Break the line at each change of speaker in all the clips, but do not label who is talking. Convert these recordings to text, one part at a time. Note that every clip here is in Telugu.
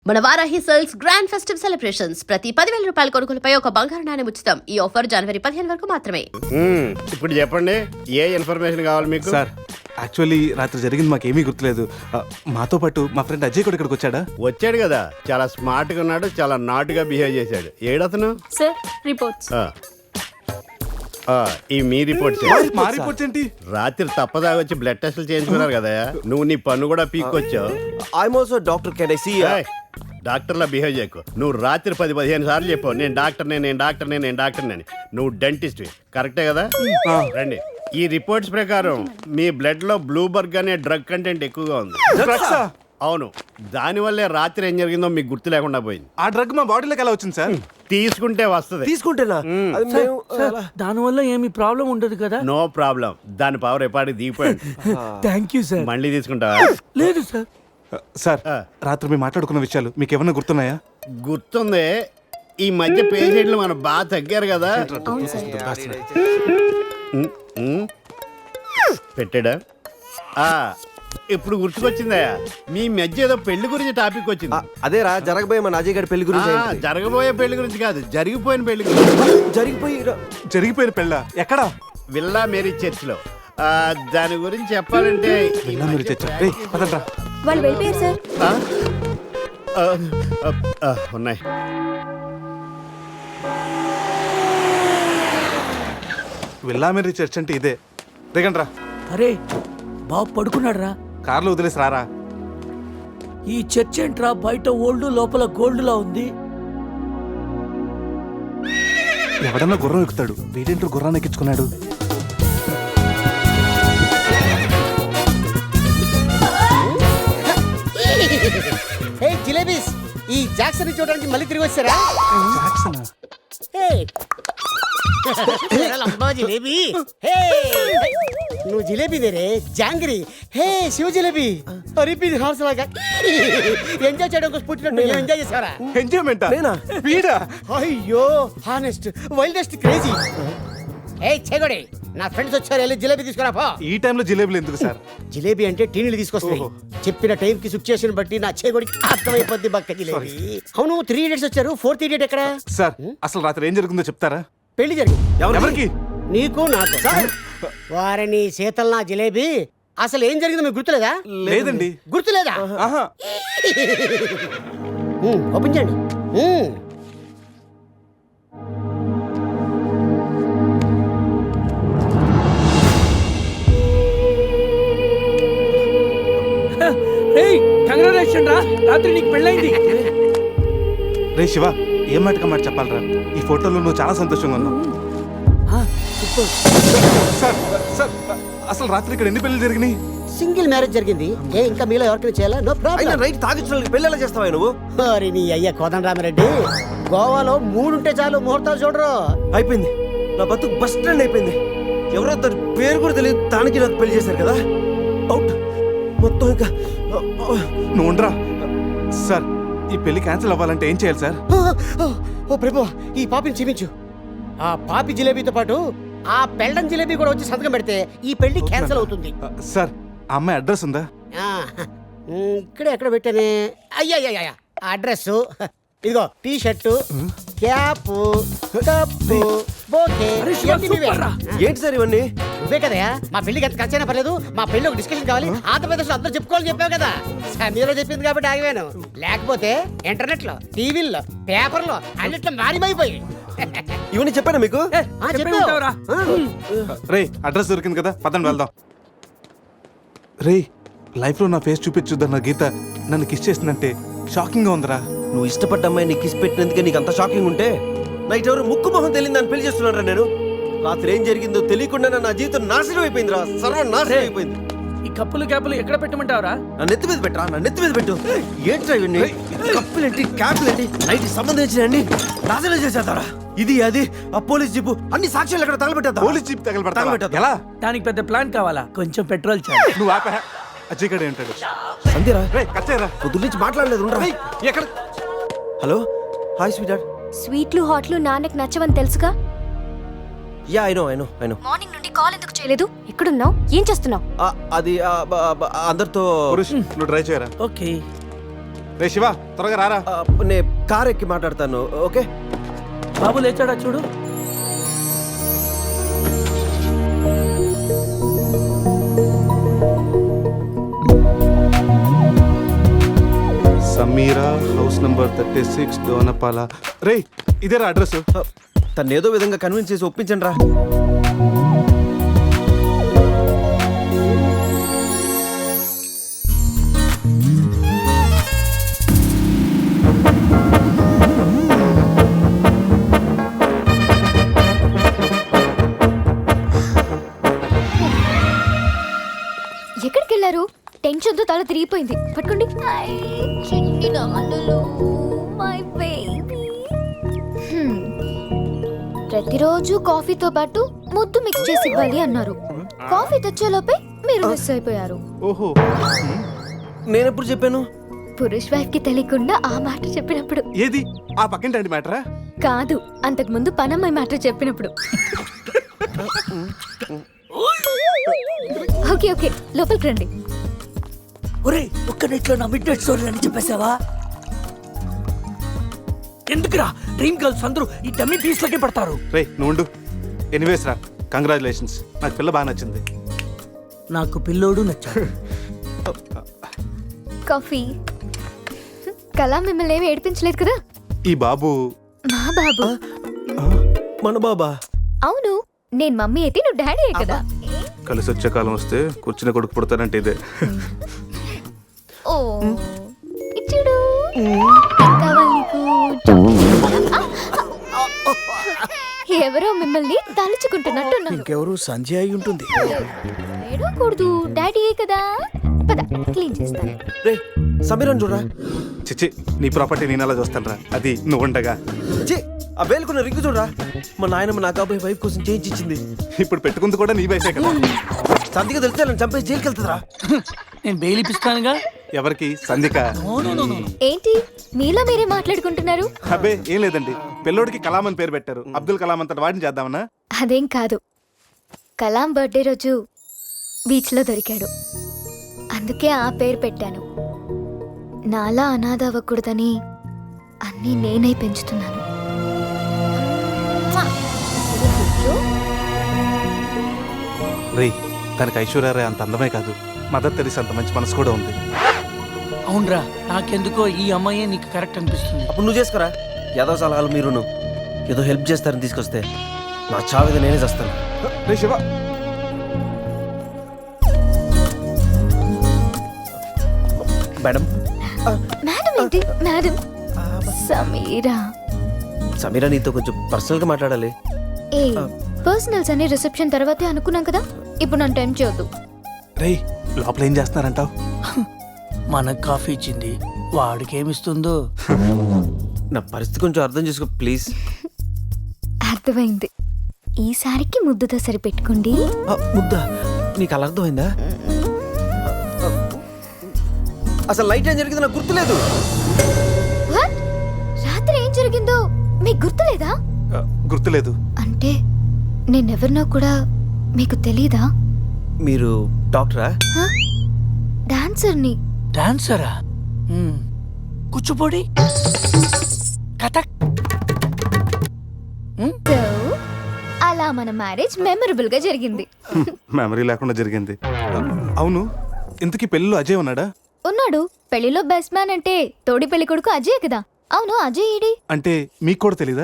మన Varahi sales grand festive celebrations ప్రతి 10,000 రూపాయల కొనుగోలుపై ఒక బంగారు నాణెం ఉచితం. ఈ ఆఫర్ జనవరి 15 వరకు మాత్రమే.
ఇప్పుడు చెప్పండి, ఏ ఇన్ఫర్మేషన్ కావాలి మీకు?
సార్ యాక్చువల్లీ రాత్రి జరిగింది మాకేమీ గుర్తులేదు. మాతో పాటు మా ఫ్రెండ్ అజయ్ కూడా ఇక్కడికి వచ్చాడా?
వచ్చాడు కదా, చాలా స్మార్ట్ గా ఉన్నాడు, చాలా నాటుగా బిహేవ్ చేశాడు. ఏడతను
సార్ రిపోర్ట్స్.
ఈ మీ రిపోర్ట్స్.
మా రిపోర్ట్స్ ఏంటి?
రాత్రి తప్పదాగా వచ్చి బ్లడ్ టెస్ట్లు చేయించుకున్నారు కదా, నువ్వు నీ పన్ను కూడా పీక్కొచ్చావు.
I'm also doctor. Can I see?
డాక్టర్లా బిహేవ్ చేయకు. నువ్వు రాత్రి 10-15 సార్లు చెప్పావు నేను డాక్టర్ని. నువ్వు డెంటిస్ట్, కరెక్టే కదా? రండి. ఈ రిపోర్ట్స్ ప్రకారం మీ బ్లడ్ లో బ్లూబర్గ్ అనే డ్రగ్ కంటెంట్ ఎక్కువగా ఉంది. అవును, దానివల్లే రాత్రి ఏం జరిగిందో మీకు గుర్తు లేకుండా పోయింది.
ఆ డ్రగ్ మా బాడీలోకి ఎలా వచ్చింది సార్?
తీసుకుంటే వస్తుంది.
తీసుకుంటేనా?
దానివల్ల ఏమి ప్రాబ్లం ఉండదు కదా?
No problem. దాని పవర్ ఎప్పటికి దిగిపోయింది.
Thank you sir.
మళ్ళీ తీసుకుంటావా?
లేదు సార్.
సార్ రాత్రి మేము మాట్లాడుకున్న విషయాలు మీకు ఏమన్నా గుర్తున్నాయా?
గుర్తుంది. ఈ మధ్య పేషెంట్లు మనం బాగా తగ్గారు కదా. పెట్టాడా? ఇప్పుడు గుర్తుకొచ్చిందా? మీ మధ్య ఏదో పెళ్లి గురించి టాపిక్ వచ్చింది.
అదేరా జరగబోయే మన అజయ్ గారి పెళ్లి గురించి.
జరగబోయే పెళ్లి గురించి కాదు, జరిగిపోయిన పెళ్లి గురించి.
జరిగిపోయిన
పెళ్ళ ఎక్కడా?
విల్లా మేరీ చర్చ్ లో. దాని గురించి చెప్పాలంటే
వాళ్ళు వెళ్ళిపోయారు సార్.
ఉన్నాయి.
విల్లా మేరీ చర్చ్ అంటే ఇదే. దిగండి రా.
అరే బాబు పడుకున్నాడు రా.
కార్లో వదిలేసి రారా.
ఈ చర్చ్ ఏంట్రా, బయట ఓల్డ్ లోపల గోల్డ్ లా ఉంది.
ఎవడన్నా గుర్రం ఎక్కుతాడు, వీడేంటో గుర్రాన్ని ఎక్కించుకున్నాడు.
జిలేబీస్, ఈ జాక్సన్ చూడడానికి మళ్ళీ తిరిగి వచ్చారా? జిలేబీ, నువ్వు జిలేబీ దేరే జాంగిరి. హే శివ జిలేబీ, అరిపి హార్స్ లాగా ఎంజాయ్ చేయడం కోసం పుట్టినట్టు ఎంజాయ్ చేసారా?
ఎంజాయ్మెంట్ వీడా?
అయ్యో హానెస్ట్ వైల్డెస్ట్ క్రేజీ. ఏ చెగొడి, నా ఫ్రెండ్స్ వచ్చారు, వెళ్ళి జిలేబీ తీసుకురా పో.
ఈ టైంలో జిలేబీలు ఎందుకు సార్?
జిలేబీ అంటే టీనీలు తీసుకొస్తాయి. చెప్పిన టైం కి సిచ్యుయేషన్ బట్టి నా చేగొడికి అర్థమైపోద్ది బక్క జిలేబీ. అవును, 3 idiots వచ్చారు, 4th idiot ఎక్కడ?
సార్ అసలు రాత్రి ఏం జరుగుతుందో చెప్తారా?
పెళ్లి జరిగింది.
ఎవరికి?
నీకు నాకు. వారిని శీతల్ నా జిలేబీ. అసలు ఏం జరిగిందో మీకు గుర్తులేదా?
లేదండి.
గుర్తులేదా? ఓపెన్ చేయండి.
కంగ్రాచులేషన్ రా, రాత్రి నీకు పెళ్ళైంది.
రే శివ, ఏం మాటగా మాట చెప్పాలరా? ఈ ఫోటోలో నువ్వు చాలా సంతోషంగా ఉన్నావు. సార్ సార్ అసలు రాత్రి ఇక్కడ ఎన్ని పెళ్లి జరిగినాయి?
సింగిల్ మ్యారేజ్ జరిగింది. ఇంకా మీలో ఎవరికైనా చేయాలా? No problem.
రైట్ తాగించడానికి పెళ్లి ఎలా చేస్తావా నువ్వు?
మరి నీ అయ్య కోదండరామిరెడ్డి, గోవాలో 3 ఉంటే చాలు, ముహూర్తాలు చూడరు.
అయిపోయింది, నా బతుకు బస్ స్టాండ్ అయిపోయింది. ఎవరో తన పేరు కూడా తెలియదు, తానికి నాకు పెళ్లి చేశారు కదా. అవుట్ మొత్తం. ఇంకా
నువ్వు ఉండరా. సార్ ఈ పెళ్లి క్యాన్సిల్ అవ్వాలంటే ఏం చేయాలి సార్?
ఓ ప్రభు, ఈ పాపిని క్షమించు. ఆ పాపి జిలేబీతో పాటు ఆ పెళ్ళం జిలేబీ కూడా వచ్చి సంతకం పెడితే ఈ పెళ్లి క్యాన్సిల్ అవుతుంది.
సార్ ఆ అమ్మాయి అడ్రస్ ఉందా?
ఇక్కడ ఎక్కడ పెట్టానే? అయ్యా అడ్రస్ ఇదిగో. T shirt, cap, cup, bouquet.
ఏంటి సార్ ఇవన్నీ?
నువ్వే కదయా మా పెళ్లికి ఎంత ఖర్చైనా పర్లేదు, మా పెళ్లి ఒక డిస్కషన్ కావాలి, ఆంధ్రప్రదేశ్ లో అందరూ చెప్పుకోవాలని చెప్పావు కదా. సమీరో చెప్పింది కాబట్టి ఆగిపోయాను. లేకపోతే ఇంటర్నెట్ లో, టీవీల్లో, పేపర్లో అన్నిట్లో మారిమైపోయి.
ఇవన్నీ చెప్పానా మీకు?
రే అడ్రస్ దొరికింది కదా, పదండి వెళ్దాం. రే లైఫ్ లో నా ఫేస్ చూపించుద్దన్న గీత నన్ను కిస్ చేసిందంటే షాకింగ్ గా ఉందిరా.
నువ్వు ఇష్టపడ్డ అమ్మాయిని కిస్ పెట్టినందుకే నీకు అంత షాకింగ్ ఉంటే నైట్ ఎవరు ముక్కు మొహం తెలియదు అని పెళ్లి చేస్తున్నారా? నేను రాత్రి ఏం జరిగిందో తెలియకుండా నా జీవితం నాశనం అయిపోయింది రా, సర్వనాశనం అయిపోయింది.
ఈ కప్పులు క్యాపులు ఎక్కడ పెట్టమంటావరా?
నా నెత్తి మీద పెట్టరా, నా నెత్తి మీద పెట్టు. ఏంట్రా ఇవన్నీ? కప్పులేంటి, క్యాపులేంటి, నైట్ సంబంధించిన నాశనం చేసేద్దారా. ఇది అది ఆ పోలీస్ జీపు అన్ని సాక్ష్యాలు ఎక్కడ తగలబెట్టా?
పోలీస్ జీప్ తగలబెట్టా ఎలా?
దానికి పెద్ద ప్లాన్ కావాలా? కొంచెం పెట్రోల్ చాలు.
నువ్వు ఆపా. అజయ్ గడే ఉంటాడు.
అంతేరా?
రే కచ్చేరా,
పొద్దు నుంచి మాట్లాడలేదు.
ఎక్కడ?
Hello, hi sweetheart.
స్వీట్లు హాట్లు నాన్నకు నచ్చవని తెలుసుగా.
Yeah I know.
మార్నింగ్ నుండి కాల్ ఎందుకు చేయలేదు? ఎక్కడున్నావు? ఏం చేస్తున్నావు?
అది అందరితో.
నువ్వు ట్రై చేయరా.
ఓకే
రే శివ త్వరగా రారా.
నేను కార్ ఎక్కి మాట్లాడతాను. ఓకే
బాబు లేచాడా చూడు.
Sameera house number 36 Donapala. రే ఇదేరా అడ్రస్.
తను ఏదో విధంగా కన్విన్స్ చేసి ఒప్పించండి రా.
ఎక్కడికి వెళ్ళారు? టెన్షన్తో తల తిరిగిపోయింది. పట్టుకోండి. చిన్ని నాన్నలు, my baby. ప్రతిరోజు కాఫీతో పాటు ముద్దు మిక్స్ చేసి ఇవ్వాలి అన్నారు. కాఫీ తెచ్చేలోపే మీరు మిస్ అయిపోయారు.
ఓహో
నేను ఎప్పుడు చెప్పాను?
పురుష్ వైఫ్ కి తెలియకుండా ఆ మాట చెప్పినప్పుడు.
ఏది ఆ పక్కింటి మ్యాటరా?
కాదు, అంతకు ముందు పనమ్మాయి మాట చెప్పినప్పుడు. ఓకే ఓకే, లోపలికి రండి.
ఒరే ఒక్క నెట్లో నా మిడ్ నైట్ స్టోరీ అని చెప్పేసావా? ఎందుకురా డ్రీమ్ గర్ల్స్ అందరూ ఈ డమ్మీ పీస్లకే పడతారు.
రే నువ్వు ఎనీవేస్ రా, కంగ్రాచులేషన్స్. నాకు పిల్ల బాగా నచ్చింది.
నాకు పిల్లోడు నచ్చాడు.
కాఫీ. కళా మిమ్మల్ని ఏమి ఏడిపించలేదు కదా?
ఈ బాబు
మా బాబు.
మన బాబా?
అవును, నేను మమ్మీ అయితే నువ్వు డాడీ కదా.
కలిసి వచ్చే కాలం వస్తే కూర్చుని కొడుకు పుడతానంటే ఇదే.
ఓ ఇచ్చుడు. కావాలి నీకు? ఎవరో మిమ్మల్ని తలుచుకుంటున్నట్టున్నారు.
ఇంకెవరు సంజయ్ అయి ఉంటుంది.
ఏడవకూడదు, డాడీ కదా. పద క్లీన్ చేస్తాను.
రే సమీరన్ చూడరా.
చిచ్చి నీ ప్రాపర్టీ నేను అలా చూస్తాను రా, అది నువ్వు ఉండగా.
ఛీ, ఆ వేలుకున్న రింగు చూడరా. మా నాయనమ్మ నా కాబోయే వైఫ్ కోసం చేయించి ఇచ్చింది.
ఇప్పుడు పెట్టుకుంది కూడా నీ వయసే కదా.
సంధిగా తెలిస్తే నన్ను చంపేసి జైలుకి వెళ్తుందిరా.
నేను బెయిల్ ఇప్పిస్తానుగా.
ఎవరికి? సంధిక.
ఏంటి మీలో మీరే మాట్లాడుకుంటున్నారు?
అబ్బే ఏం లేదండి, పిల్లోడికి కలాం అని పేరు పెట్టారు. అబ్దుల్ కలాం అంతటి వాడిని చేద్దామన్నా.
అదేం కాదు, కలాం బర్త్డే రోజు బీచ్లో దొరికాడు, అందుకే ఆ పేరు పెట్టాను. నాలా అనాథ అవ్వకూడదని అన్నీ నేనే పెంచుతున్నాను.
రే తనకి ఐశ్వర్య అంత అందమే కాదు, మదర్ తెరీసా అంత మంచి మనసు కూడా ఉంది.
అవునరా, నాకెందుకో ఈ అమ్మాయి నీకు కరెక్ట్ అనిపిస్తుంది.
అప్పుడు నువ్వు చేసుకోరా. ఏదో సలహాలు మీరును ఏదో హెల్ప్ చేస్తారని తీసుకొస్తే నా చావిద నేనే చేస్తాను.
రే శివ.
మేడం.
మేడం ఏంటి మేడం? సమీరా.
సమీరా నీతో కొంచెం పర్సనల్ గా మాట్లాడాలి.
ఏ పర్సనల్స్ అనే రిసెప్షన్ తర్వాతే అనుకున్నాం కదా, ఇప్పుడు నన్ను టైం చేయొద్దు.
రే లోపల ఏం చేస్తున్నారంటావు?
మనకు కాఫీ ఇచ్చింది, వాడికి ఏమిస్తుందో.
నా పరిస్థితి కొంచెం అర్థం చేసుకో ప్లీజ్.
అర్థమైంది, ఈసారికి ముద్దుతో సరిపెట్టుకోండి.
ముద్ద నీకు అలా అర్థమైందా? అసలు లైట్ ఏం జరిగిందో నాకు గుర్తులేదు.
What? రాత్రి ఏం జరిగిందో మీకు గుర్తులేదా?
గుర్తులేదు.
అంటే నేనెవరినో కూడా మీకు తెలీదా?
మీరు డాక్టరా?
డాన్సర్ని.
డాన్సరా? కూచిపూడి, కథక్.
So, అలా మన మ్యారేజ్ మెమరబుల్ గా జరిగింది.
మెమరీ లేకుండా జరిగింది. అవును, ఇంతకీ పెళ్ళిలో అజయ్ ఉన్నాడా?
ఉన్నాడు. పెళ్లిలో బెస్ట్ మ్యాన్ అంటే తోడి పెళ్లి కొడుకు అజయ్ కదా. అవును, అజయ్ ఈడి.
అంటే మీకు కూడా తెలీదా?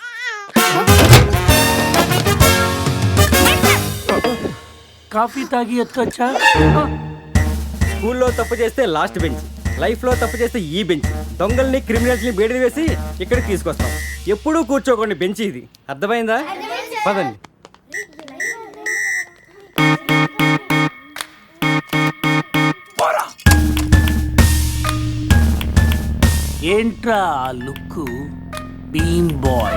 కాఫీ తాగి ఎత్తొచ్చా?
స్కూల్లో తప్పు చేస్తే లాస్ట్ బెంచ్, లైఫ్లో తప్పు చేస్తే ఈ బెంచ్. దొంగల్ని క్రిమినల్స్ని బయటకు వేసి ఇక్కడికి తీసుకొస్తాం. ఎప్పుడూ కూర్చోకండి బెంచ్ ఇది. అర్థమైందా? పదండి.
ఏంట్రా ఆ look? Bean boy.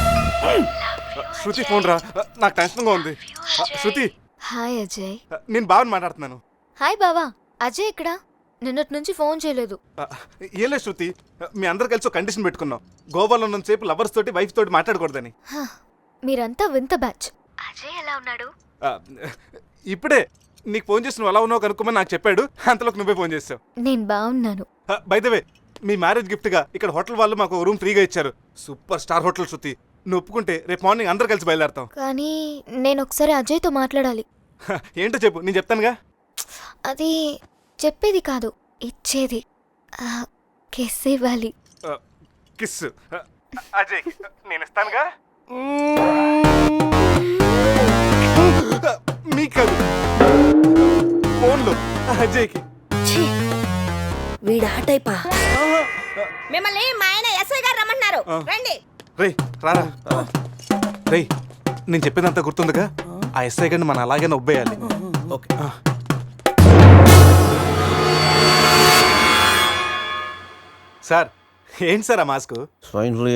Shruti phone రా, నాకు టెన్షన్గా ఉంది. శృతి.
హాయ్ అజయ్.
నేను బావని మాట్లాడుతున్నాను.
హాయ్ బావా. అజయ్ ఇక్కడ? నిన్నటి నుంచి ఫోన్ చేయలేదు.
ఏం లేదు శృతి, మీ అందరు కలిసి ఒక కండిషన్ పెట్టుకున్నాం. గోవాలో ఉన్నంతసేపు లవర్స్ తోటి వైఫ్ తోటి మాట్లాడకూడదని.
మీరంతా వింత బ్యాచ్. అజయ్ ఎలా ఉన్నాడు?
ఇప్పుడే నీకు ఫోన్ చేసి నువ్వు ఎలా ఉన్నావు కనుక్కోమని నాకు చెప్పాడు. అంతలోకి నువ్వే ఫోన్ చేసావు.
నేను బాగున్నాను.
బై ద వే, మీ మ్యారేజ్ గిఫ్ట్గా ఇక్కడ హోటల్ వాళ్ళు మాకు రూమ్ ఫ్రీగా ఇచ్చారు. Super star hotel Shruti. నువ్వు ఒప్పుకుంటే రేపు మార్నింగ్ అందరు కలిసి బయలుదేరతాం.
కానీ నేను ఒకసారి అజయ్తో మాట్లాడాలి.
ఏంటో చెప్పు, నేను చెప్తానుగా.
అది చెప్పేది కాదు, ఇచ్చేది. కిస్ ఇవ్వాలి.
కిస్ అజయ్ నేను ఇస్తానుగా. మీకు కాదు, ఫోన్లో అజయ్కి.
వీడా టైపా? మిమ్మల్ని మా ఆయన ఎస్ఐ గారు రమ్మన్నారు, రండి.
రేయ్ రారా. రేయ్ నేను చెప్పేదంతా గుర్తుందిగా? ఆ ఎస్ఐ గారిని మనం అలాగే నొబ్బేయాలి.
ఓకే.
సార్ ఏంటి సార్ ఆ మాస్క్?
Swine flu.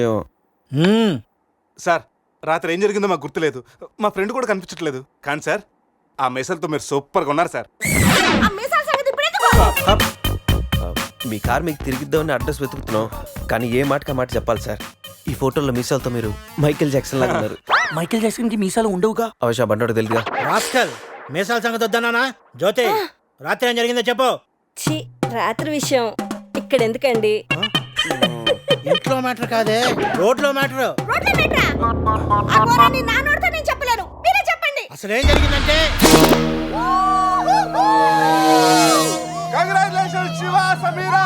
సార్ రాత్రి ఏం జరిగిందో మాకు గుర్తులేదు, మా ఫ్రెండ్ కూడా కనిపించట్లేదు. కానీ సార్ ఆ మెసల్తో మీరు సూపర్గా ఉన్నారు సార్.
ఆ మీసాల సంగతి ఇప్పుడు ఎందుకు?
మీ కార్ మీకు తిరిగిద్దామని అడ్రస్ వెతుకుతున్నాం, కానీ ఏ మాటకా మాట చెప్పాలి సార్. ఈ ఫోటోలో మీసాలతో మీరు మైకేల్ జాక్సన్ లాగా ఉన్నారు.
మైకేల్ జాక్సన్ కి మీసాలు ఉండవుగా.
అవశ్య బండోడు తెలుగుగా.
రాస్కల్, మీసాల సంగతి వద్దన్నానా? జ్యోతి, రాత్రి ఏం జరిగిందో చెప్పు.
ఛీ, రాత్రి విషయం ఇక్కడ ఎందుకండి?
ఇంట్లో మ్యాటర్ కాదే, రోడ్లో మ్యాటర్.
రోడ్ల మీటరా? ఆ ఘోరాన్ని నా నోటితో నేను చెప్పలేను, మీరే చెప్పండి.
అసలు ఏం జరిగిందంటే,
కంగ్రాచులేషన్స్ శివ, సమీరా.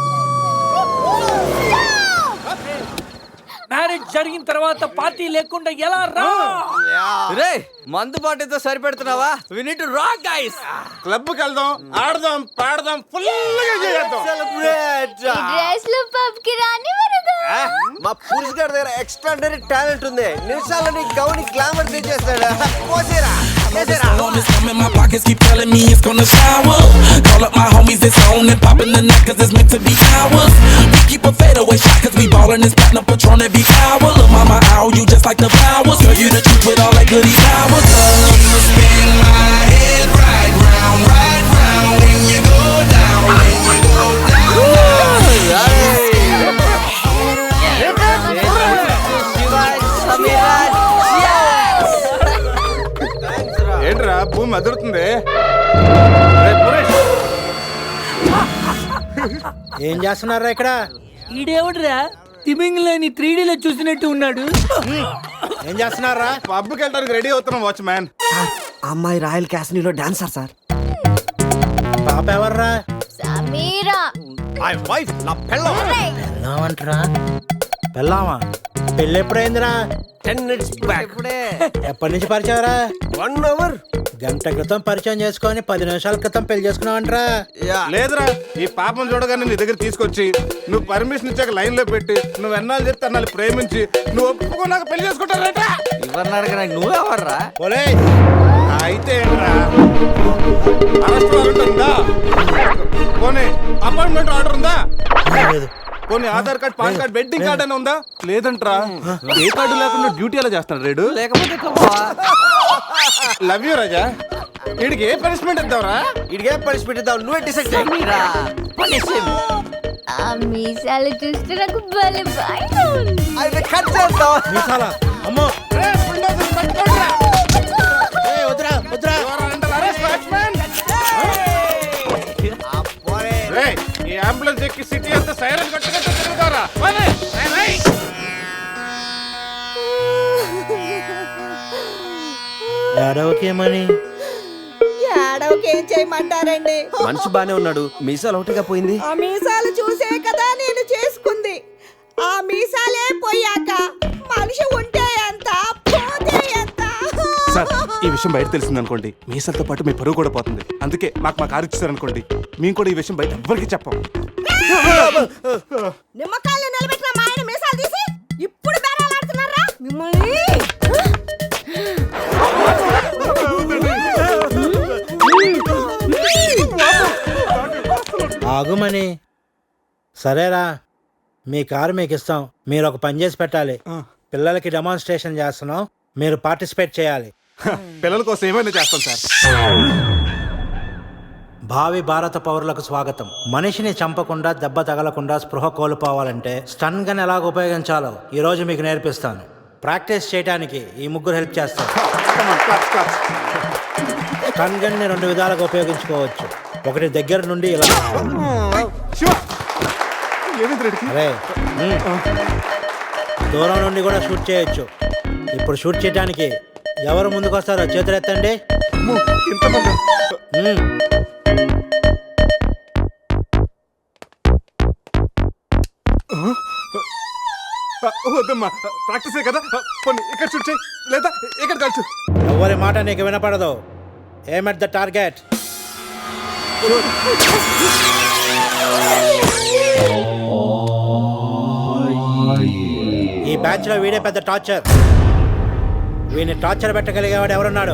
మ్యారేజ్ జరిగిన తర్వాత పార్టీ లేకుండా ఎలా రా?
రే మందు పార్టీతో సరిపెడుతున్నావా? We need to rock guys.
క్లబ్కి వెళ్దాం, ఆడదాం, పాడదాం, ఫుల్గా చేద్దాం.
డ్రెస్లు పబ్ కి రాని వరదు.
మా పురుష్ గారి దగ్గర ఎక్స్ట్రాడనరీ టాలెంట్ ఉంది. నిమిషాలని గౌని గ్లామర్ తెచ్చేస్తాడు. పోసేరా
My pockets keep telling me it's gonna shower. Call up my homies, it's on and popping the neck cause it's meant to be ours. We keep a fadeaway shot cause we ballin' this platinum Patron every hour. Look mama, ow, you just like the flowers. Girl, you the truth with all that goody powers. You spin my head right round when you go down, when you go down.
ఏంట్రా భూమి అదురుతుంది?
ఏం చేస్తున్నారా ఇక్కడ?
ఈడేవుడ్రా తిమింగ్లని 3Dలో చూసినట్టు ఉన్నాడు.
ఏం చేస్తున్నారా?
పబ్కి వెళ్ళడానికి రెడీ అవుతున్నాం వాచ్మ్యాన్.
అమ్మాయి రాయల్ క్యాసినీలో డాన్సర్ సార్.
పాప ఎవర్రా?
సమీరా.
మై వైఫ్, నా పెళ్ళం.
పెళ్ళామంటరా? పెళ్ళామా? పెళ్ళి ఎప్పుడైందిరా?
10 minutes back.
ఎప్పటి నుంచి పరిచయరా?
1 hour.
గంట క్రితం పరిచయం చేసుకొని 10 నిమిషాల క్రితం పెళ్లి చేసుకున్నావంటరా?
లేదురా, ఈ పాపం చూడగానే నీ దగ్గర తీసుకొచ్చి నువ్వు పర్మిషన్ ఇచ్చాక లైన్ లో పెట్టి నువ్వు ఎన్నాళ్ళు చెప్తే అన్నాళ్ళు ప్రేమించి నువ్వు ఒప్పుకున్నాక పెళ్లి చేసుకుంటారట.
నువ్వు ఎవర్రా?
ఓలే,
అయితే ఏంట్రా, అరెస్ట్ వారెంట్ ఉందా? పోనీ అపాయింట్మెంట్ ఆర్డర్ ఉందా? పోనీ Aadhaar card, PAN card, wedding card అని ఉందా? లేదంట్రా. ఏ కార్డు లేకుండా డ్యూటీ ఎలా చేస్తాడు రేడు?
లేకపోతే
లవ్ యూ రాజా. వీడికి ఏ పనిష్మెంట్ ఇద్దాంరా?
ఇడిగే పనిష్మెంట్ ఇద్దాం, నువ్వే డిసైడ్ చేయి.
ఆ మీసాలు చూస్తే నాకు భలే భయం ఉంది.
అయితే కట్ చేద్దాం.
మీసాలా? అమ్మో, ఏయ్, వద్దురా వద్దురా.
ఈ అంబులెన్స్ ఎక్కి సిటీ అంతా సైరన్ కట్టుకుంటూ తిరుగుతారా?
ఏడవకేమని?
ఏడవకేం చేయమంటారండి?
మనిషి బానే ఉన్నాడు, మీసాలు ఒకటిగా పోయింది.
ఆ మీసాలు చూసే కదా నేను చేసుకుంది. ఆ మీసాలే పోయాక మనిషి ఉంటే ఎంత, పోతే ఎంత?
సార్ ఈ విషయం బయట తెలిసింది అనుకోండి, మీసాలతో పాటు మీ పరువు కూడా పోతుంది. అందుకే మాకు మా కారు ఇచ్చారనుకోండి, మేము కూడా ఈ విషయం బయట ఎవ్వరికి చెప్పాం.
నిమ్మకాయలు నిలబెట్టిన మా ఆయన మీసాలు తీసి ఇప్పుడు బేరాలాడుతున్నారా మిమ్మల్ని?
ఆగుమని. సరేరా, మీ కారు మీకు ఇస్తాం. మీరు ఒక పని చేసి పెట్టాలి. పిల్లలకి డెమాన్స్ట్రేషన్ చేస్తున్నాం, మీరు పార్టిసిపేట్ చేయాలి.
పిల్లల కోసం ఏమైనా చేస్తాం సార్.
భావి భారత పౌరులకు స్వాగతం. మనిషిని చంపకుండా, దెబ్బ తగలకుండా స్పృహ కోల్పోవాలంటే స్టన్ గన్ ఎలాగ ఉపయోగించాలో ఈ రోజు మీకు నేర్పిస్తాను. ప్రాక్టీస్ చేయడానికి ఈ ముగ్గురు హెల్ప్ చేస్తారు. స్టన్ గన్ ని 2 విధాలుగా ఉపయోగించుకోవచ్చు. ఒకటి దగ్గర నుండి ఇలా,
ఏమైంది రెడ్డికి?
అరే దూరం నుండి కూడా షూట్ చేయొచ్చు. ఇప్పుడు షూట్ చేయడానికి ఎవరు ముందుకు వస్తారో చేతులు ఎత్తండి.
అమ్మో, ఇంతమందా? వద్దమ్మా, ప్రాక్టీసే కదా. కొన్ని ఇక్కడ షూట్ చేయి, లేదా ఇక్కడ కాల్చు.
ఎవరి మాట నీకు వినపడదు. Aim at the target. ఈ బ్యాచ్ లో వీడే పెద్ద టార్చర్. వీడిని టార్చర్ పెట్టగలిగేవాడు ఎవరున్నాడు?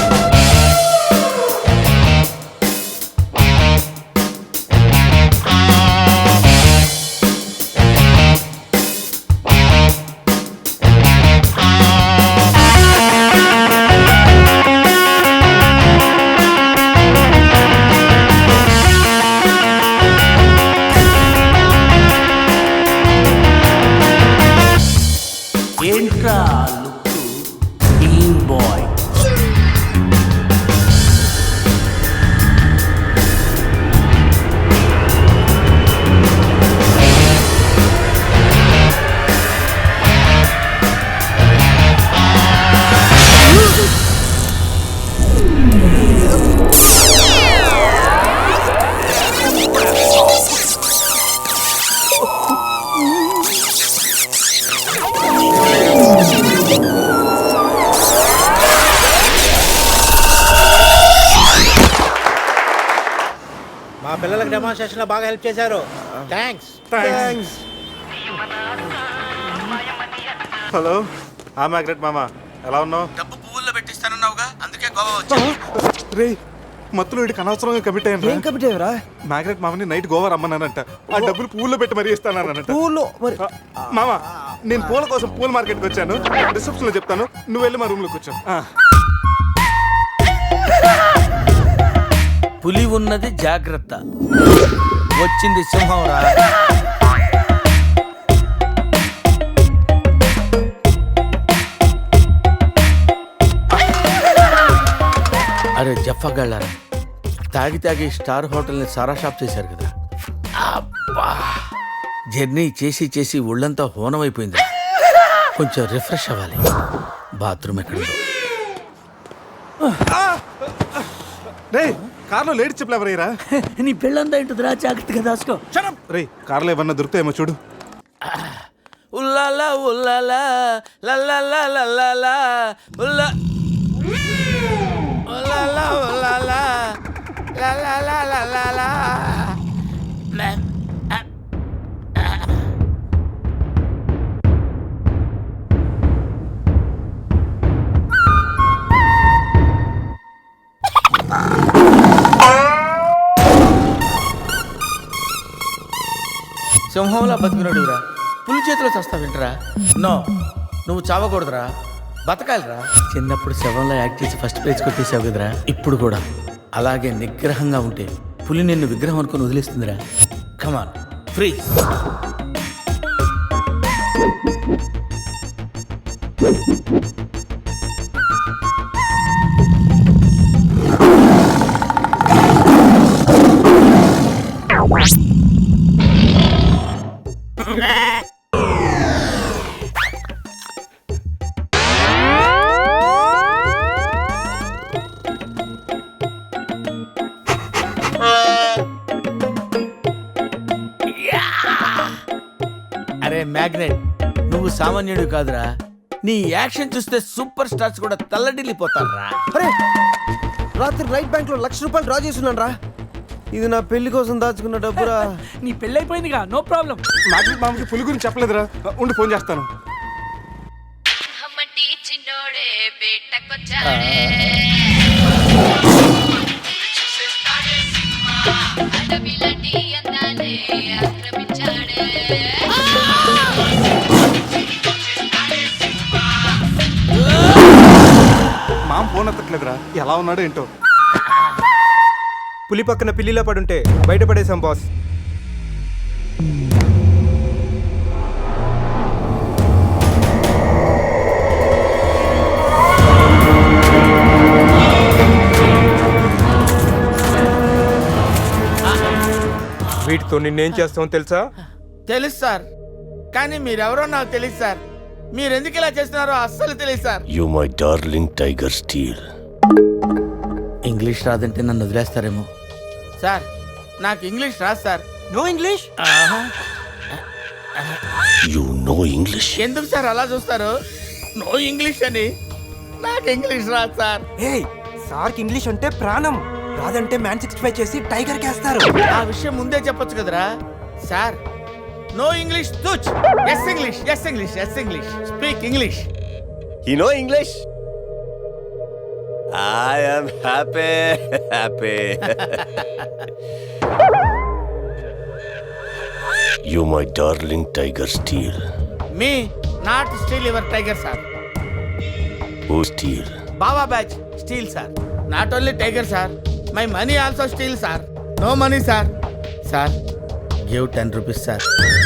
ఏంట్రా లుక్ టీమ్ బాయ్.
మా పిల్లలకు డెమాన్స్ట్రేషన్ లో బాగా హెల్ప్ చేశారు. థ్యాంక్స్.
హలో, మ్యాగ్రెట్ మామ, ఎలా ఉన్నావు?
డబ్బు పువ్వుల్లో పెట్టిస్తానన్నావుగా, అందుకే గోవా వచ్చా.
రే, మత్తులో వీడికి అనవసరంగా కమిట్ అయ్యాను.
ఏం కమిట్ అయ్యారా?
మ్యాగ్రెట్ మామని నైట్ గోవా రమ్మన్నానంట. ఆ డబ్బులు పువ్వుల్లో పెట్టి మరీ ఇస్తానంట.
పువ్వుల్లో మరి
మామ, నేను పూల కోసం పూల మార్కెట్కి వచ్చాను. రిసెప్షన్ లో చెప్తాను, నువ్వు వెళ్ళి మా రూమ్ లో కూర్చో.
పులి ఉన్నది జాగ్రత్త, వచ్చింది సింహం రా. అరే జఫ్ఫగాళ్ళారా, తాగి తాగి స్టార్ హోటల్ని సారా షాప్ చేశారు కదా. అబ్బా, జర్నీ చేసి చేసి ఒళ్ళంతా హోనమైపోయింది. కొంచెం రిఫ్రెష్ అవ్వాలి. బాత్రూమ్ ఎక్కడుందో.
రే, కార్లో లేడీ చెప్పులు ఎవరయ్యరా?
నీ పెళ్ళంతా ఇంటుందిరా, జాగ్రత్తగా దాసుకో.
రే, కార్లో ఏమన్నా దొరుకుతాయేమో చూడు.
ఉల్లాలా ఉల్లాలా లల్లాలా లల్లాలా ఉల్లా ఉల్లాలా ఉల్లాలా లల్లాలా లల్లాలా. సింహంలా బతికినడురా, పులి చేతిలో చస్తావేంట్రా? నో, నువ్వు చావకూడదురా, బతకాలిరా. చిన్నప్పుడు శవంలో యాక్ట్ చేసి ఫస్ట్ ప్రైజ్ కొట్టేసావు కదరా, ఇప్పుడు కూడా అలాగే నిగ్రహంగా ఉంటే పులి నిన్ను విగ్రహం అనుకుని వదిలేస్తుందిరా. కమాన్, ఫ్రీ. అరే మ్యాగ్నెట్, నువ్వు సామాన్యుడు కాదురా. నీ యాక్షన్ చూస్తే సూపర్ స్టార్స్ కూడా తల్లడిల్లిపోతారా.
అరే, రాత్రి రైట్ బ్యాంక్ లో ₹1,00,000 డ్రా చేస్తున్నాను రా. ఇది నా పెళ్లి కోసం దాచుకున్న డబ్బురా.
నీ పెళ్ళైపోయిందిగా, నో ప్రాబ్లం.
మ్యాగ్రెట్ మామకి పులి గురించి చెప్పలేదురా. ఉండి ఫోన్ చేస్తాను. మామ ఫోన్ ఎత్తట్లేదురా, ఎలా ఉన్నాడో ఏంటో.
పులి పక్కన పిల్లిలా పడుంటే బయటపడేశాం బాస్. వీటితో నిన్నేం చేస్తామో తెలుసా?
తెలుసు సార్, కానీ మీరెవరో నాకు తెలియదు సార్. మీరు ఎందుకు ఇలా చేస్తున్నారో అస్సలు తెలియదు sir.
You my darling tiger steal.
English రాదంటే నన్ను వదిలేస్తారేమో. సార్ నాకు ఇంగ్లీష్ రాదు sir.
No English. You know English.
ఎందుకు సార్ అలా చూస్తారు? నో ఇంగ్లీష్ అని. నాకు ఇంగ్లీష్ రాదు సార్.
ఏయ్ సార్కి ఇంగ్లీష్ అంటే ప్రాణం. రాదంటే మ్యాన్ 65 చేసి టైగర్ కేస్తారు.
ఆ విషయం ముందే చెప్పొచ్చు కదరా sir. No English touch. Yes English, yes English, yes English. Speak English.
You know English. I am happy. You my darling tiger steel.
Me not steal your tiger sir.
Who steal?
Baba batch steal sir. Not only tiger sir, my money also steal sir. No money sir. Sir give 10 rupees sir.